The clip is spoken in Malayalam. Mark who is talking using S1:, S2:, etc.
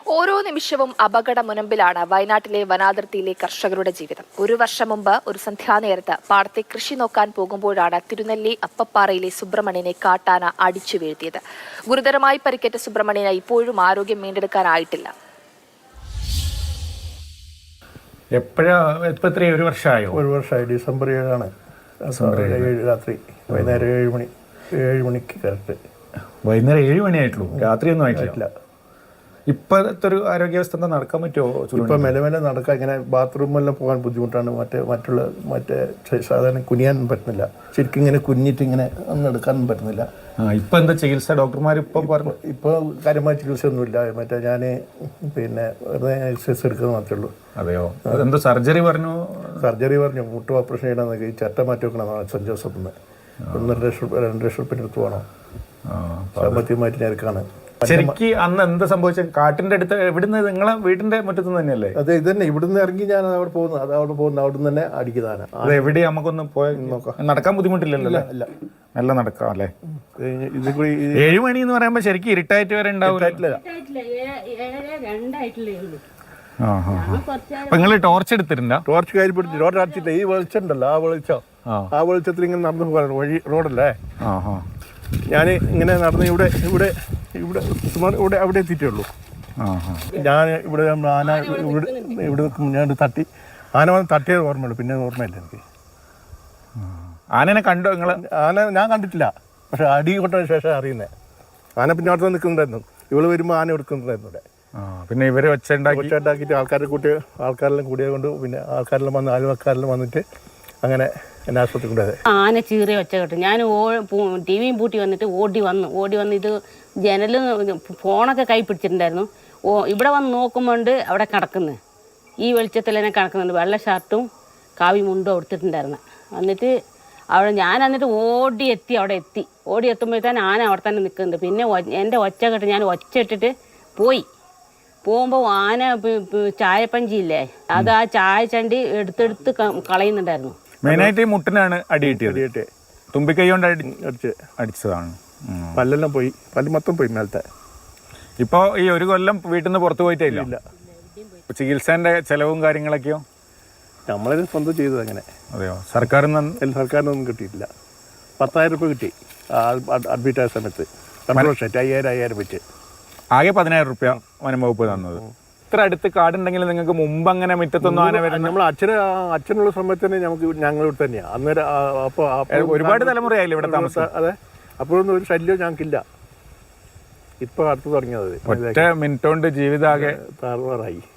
S1: ഓരോ നിമിഷവും അപകട മുനമ്പിലാണ് വയനാട്ടിലെ വനാതിർത്തിയിലെ കർഷകരുടെ ജീവിതം. ഒരു വർഷം മുമ്പ് ഒരു സന്ധ്യാനേരത്ത് പാടത്തെ കൃഷി നോക്കാൻ പോകുമ്പോഴാണ് തിരുനെല്ലി അപ്പപ്പാറയിലെ സുബ്രഹ്മണ്യനെ കാട്ടാന അടിച്ചു വീഴ്ത്തിയത്. ഗുരുതരമായി പരിക്കേറ്റ സുബ്രഹ്മണ്യന് ഇപ്പോഴും ആരോഗ്യം വീണ്ടെടുക്കാനായിട്ടില്ല.
S2: ഒരു വർഷമായി. ഡിസംബർ 7 രാത്രി വൈകുന്നേരം 7 മണിക്ക് കറക്റ്റ്.
S3: വൈകുന്നേരം 7 മണിയായിട്ടുള്ളൂ, രാത്രിയൊന്നും ആയിട്ടില്ല. ഇപ്പോഴത്തെ ഒരു ആരോഗ്യാവസ്ഥ എന്താ, നടക്കാൻ പറ്റുമോ?
S2: ഇപ്പം മെല്ലെ നടക്കാൻ, ഇങ്ങനെ ബാത്റൂമെല്ലാം പോകാൻ ബുദ്ധിമുട്ടാണ്. മറ്റേ സാധാരണ കുനിയാൻ പറ്റുന്നില്ല. ശരിക്കും ഇങ്ങനെ കുഞ്ഞിട്ട് ഇങ്ങനെ ഒന്നും എടുക്കാനും പറ്റുന്നില്ല.
S3: ഇപ്പം എന്താ ചികിത്സ? ഡോക്ടർമാർ ഇപ്പം പറഞ്ഞു
S2: ഇപ്പോൾ കാര്യമായ ചികിത്സ ഒന്നുമില്ല. മറ്റേ ഞാൻ വെറുതെ എക്സസൈസ് എടുക്കുന്നത് മാത്രമേ ഉള്ളൂ.
S3: അതെയോ? എന്താ സർജറി പറഞ്ഞു?
S2: മുട്ട് ഓപ്പറേഷൻ ചെയ്യണമെന്നൊക്കെ. ഈ ചട്ട മാറ്റി വെക്കണം സെൻറ്റ് ജോസഫ് നിന്ന്. 2 ലക്ഷം റുപ്യ എടുത്ത് പോകണം. സാമ്പത്തികമായിട്ട് ഞെരുക്കാണ്.
S3: ശരിക്ക് അന്ന് എന്താ സംഭവിച്ചത്? കാട്ടിന്റെ അടുത്ത് എവിടുന്ന്? നിങ്ങളെ വീടിന്റെ മുറ്റത്ത് തന്നെയല്ലേ?
S2: അതെ, ഇത് തന്നെ. ഇവിടുന്ന് ഇറങ്ങി ഞാൻ അവിടെ പോകുന്നു. അവിടെ നിന്ന് തന്നെ അടിക്കുന്നതാണ്.
S3: അത് എവിടെ? നമുക്കൊന്ന് പോയി നോക്കാം. നടക്കാൻ ബുദ്ധിമുട്ടില്ലല്ലോ?
S2: ഇല്ല,
S3: നല്ല നടക്കാം അല്ലേ? 7 മണി എന്ന് പറയുമ്പോ ശരിക്കും ഇരുട്ടായിട്ട് വരെ ഉണ്ടാവില്ല. അപ്പൊ നിങ്ങള് ടോർച്ച് എടുത്തിട്ടുണ്ടോ?
S2: ടോർച്ച് കയ്യിൽ പിടിച്ച് റോഡ് അടച്ചില്ല. ഈ വെളിച്ചം ഉണ്ടല്ലോ, ആ വെളിച്ചത്തിൽ ഇങ്ങനെ നടന്നു പോകാൻ വഴി റോഡല്ലേ. ഞാൻ ഇങ്ങനെ നടന്ന് ഇവിടെ അവിടെ എത്തിയിട്ടേ ഉള്ളൂ. ഞാൻ ഇവിടെ ആന ഇവിടെ ഞാൻ തട്ടി, ആന വന്ന് തട്ടിയത് ഓർമ്മയുള്ളൂ, പിന്നെ ഓർമ്മയില്ല എനിക്ക്.
S3: ആനനെ കണ്ടോ നിങ്ങൾ?
S2: ആന ഞാൻ കണ്ടിട്ടില്ല, പക്ഷെ അടി കൊണ്ടതിന് ശേഷം അറിയുന്നത്. ആന പിന്നെ അവിടെ നിൽക്കുന്നുണ്ടായിരുന്നു. ഇവള് വരുമ്പോൾ ആന എടുക്കുന്നുണ്ടായിരുന്നു ഇവിടെ.
S3: പിന്നെ ഇവര്
S2: ഒച്ചയുണ്ടാക്കിയിട്ട് ആൾക്കാരെല്ലാം കൂടിയത് കൊണ്ട് പിന്നെ ആൾക്കാരെല്ലാം വന്ന് അയൽവക്കാരെല്ലാം വന്നിട്ട് അങ്ങനെ എന്നെ ആശുപത്രി കൊണ്ടുപോയത്.
S4: ആന ചീറിയ ഒച്ച കേട്ടു. ഞാൻ ടി വിയും പൂട്ടി വന്നിട്ട് ഓടി വന്ന് ഇത് ജനൽ ഫോണൊക്കെ കൈ പിടിച്ചിട്ടുണ്ടായിരുന്നു. ഇവിടെ വന്ന് നോക്കുമ്പോണ്ട് അവിടെ കിടക്കുന്നത്, ഈ വെളിച്ചത്തിൽ തന്നെ കിടക്കുന്നുണ്ട്. വെള്ള ഷർട്ടും കാവി മുണ്ടും എടുത്തിട്ടുണ്ടായിരുന്നു. ഞാൻ എന്നിട്ട് അവിടെ എത്തുമ്പോഴത്തേന് ആന അവിടെ തന്നെ നിൽക്കുന്നുണ്ട്. പിന്നെ എൻ്റെ ഒച്ച കേട്ട് ഞാൻ ഒച്ച ഇട്ടിട്ട് പോകുമ്പോൾ ആന ചായപ്പഞ്ചിയില്ലേ, അത് ആ ചായച്ചണ്ടി എടുത്തെടുത്ത് കളയുന്നുണ്ടായിരുന്നു.
S3: മെയിനായിട്ട് ഈ മുട്ടിനാണ് അടി കിട്ടിയത്. തുമ്പിക്കൈ കൊണ്ട് അടിച്ചതാണ്.
S2: പല്ലെല്ലാം പോയി, പല്ല് മൊത്തം പോയി മേലത്തെ.
S3: ഇപ്പോൾ ഈ 1 കൊല്ലം വീട്ടിൽ നിന്ന് പുറത്തു പോയിട്ടില്ല. ചികിത്സേൻ്റെ ചെലവും കാര്യങ്ങളൊക്കെയോ
S2: നമ്മളത് സ്വന്തം ചെയ്തത് അങ്ങനെ.
S3: അതെയോ? സർക്കാരിനൊന്നും
S2: കിട്ടിയിട്ടില്ല. 10,000 രൂപ കിട്ടി അഡ്മിറ്റ് ആയ സമയത്ത്. 5,000 വെച്ച്
S3: ആകെ 10,000 രൂപ വനം വകുപ്പ് തന്നത്. ഇത്ര അടുത്ത് കാടുണ്ടെങ്കിൽ നിങ്ങൾക്ക് മുമ്പ് അങ്ങനെ മുറ്റത്തൊന്നും ആന വരുന്നത്?
S2: നമ്മൾ അച്ഛനുള്ള സമയത്ത് തന്നെ ഞങ്ങളിവിടെ തന്നെയാണ് അന്നേരം. അപ്പോൾ
S3: ഒരുപാട് തലമുറയായില്ലേ ഇവിടെ താമസം?
S2: അതെ, അപ്പോഴൊന്നും ഒരു ശല്യവും ഞങ്ങൾക്കില്ല. ഇപ്പൊ അടുത്ത് തുടങ്ങിയത്.
S3: ഒറ്റ മിനിറ്റ് കൊണ്ട് ജീവിതാകെ
S2: താറുമാറായി.